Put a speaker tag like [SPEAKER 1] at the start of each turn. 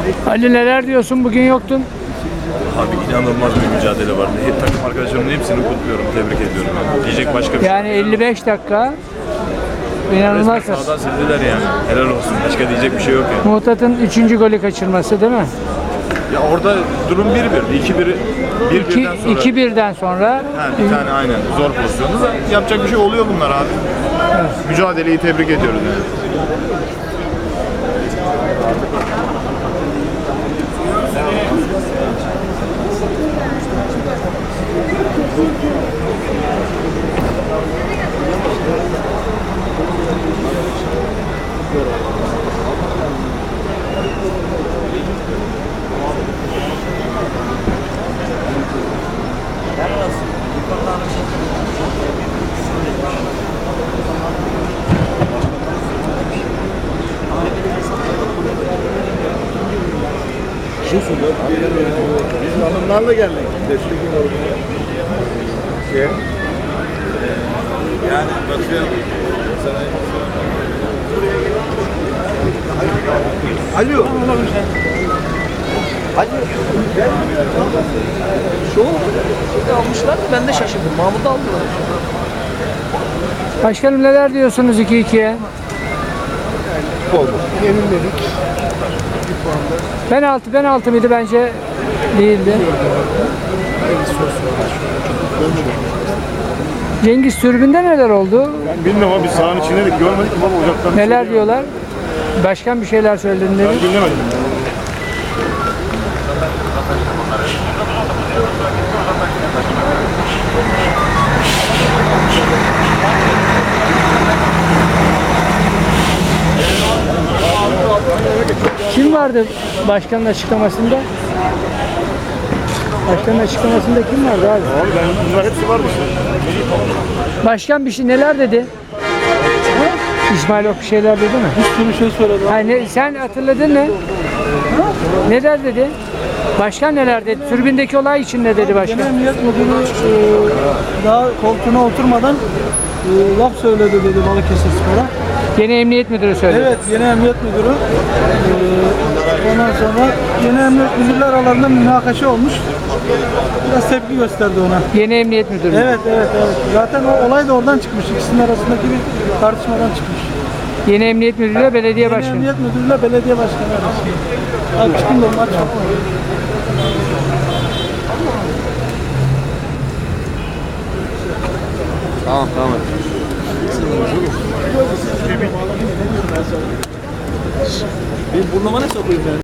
[SPEAKER 1] Ali neler diyorsun? Bugün yoktun.
[SPEAKER 2] Abi inanılmaz bir mücadele vardı. Takım arkadaşlarımın hepsini kutluyorum, tebrik ediyorum. Diyecek başka bir şey
[SPEAKER 1] Yani 55 dakika. İnanılmaz.
[SPEAKER 2] Resmen sahadan sildiler yani. Helal olsun. Başka diyecek bir şey yok yani.
[SPEAKER 1] Muhtat'ın 3. golü kaçırması değil mi?
[SPEAKER 2] Ya orada durum 1-1. 2-1'den
[SPEAKER 1] 2-1'den
[SPEAKER 2] sonra.
[SPEAKER 1] sonra
[SPEAKER 2] Ha, bir tane aynen zor pozisyonda da yapacak bir şey oluyor bunlar abi. Mücadeleyi tebrik ediyoruz yani.
[SPEAKER 3] Biz hanımlarla geldik. Yani bakıyorum. Alo.
[SPEAKER 4] Şu almışlar da ben de şaşırdım. Mahmut'u aldılar.
[SPEAKER 1] başkanım neler diyorsunuz 2-2'ye?
[SPEAKER 3] Yenilmedik.
[SPEAKER 1] Penaltı mıydı? Bence değildi. Cengiz tribünde neler oldu?
[SPEAKER 3] Ben bilmiyorum abi, biz sahanın içindeydik, görmedik ama uzaktan.
[SPEAKER 1] Neler diyorlar? Başkan bir şeyler söyledi dedi.
[SPEAKER 3] Ben dinlemedim.
[SPEAKER 1] Kim vardı başkanın açıklamasında? Başkanın açıklamasında kim vardı abi?
[SPEAKER 3] Abi bunlar hepsi varmış.
[SPEAKER 1] Başkan bir şey neler dedi? İsmail Ok bir şeyler dedi mi?
[SPEAKER 4] Bir sürü şey söyledi.
[SPEAKER 1] Yani sen hatırladın mı? Neler dedi? Başkan neler dedi? Tribündeki olay için ne dedi başkan?
[SPEAKER 4] Genel Emniyet Müdürü daha koltuğuna oturmadan laf söyledi dedi Balıkesir Spor'a.
[SPEAKER 1] Yeni emniyet müdürü söyledi.
[SPEAKER 4] Evet, yeni emniyet müdürü. Ondan sonra yeni emniyet müdürler aralarında münakaşa olmuş. Biraz tepki gösterdi ona.
[SPEAKER 1] Yeni emniyet müdürü.
[SPEAKER 4] Evet. Zaten o olay da oradan çıkmış. İkisinin arasındaki bir tartışmadan çıkmış.
[SPEAKER 1] Yeni emniyet müdürü belediye
[SPEAKER 4] Yeni
[SPEAKER 1] başkanı.
[SPEAKER 4] emniyet müdürüyle belediye başkanı arasında. Abi çıkın da onlar çok.
[SPEAKER 2] Tamam.
[SPEAKER 4] Benim burnuma ne sokuyor yani?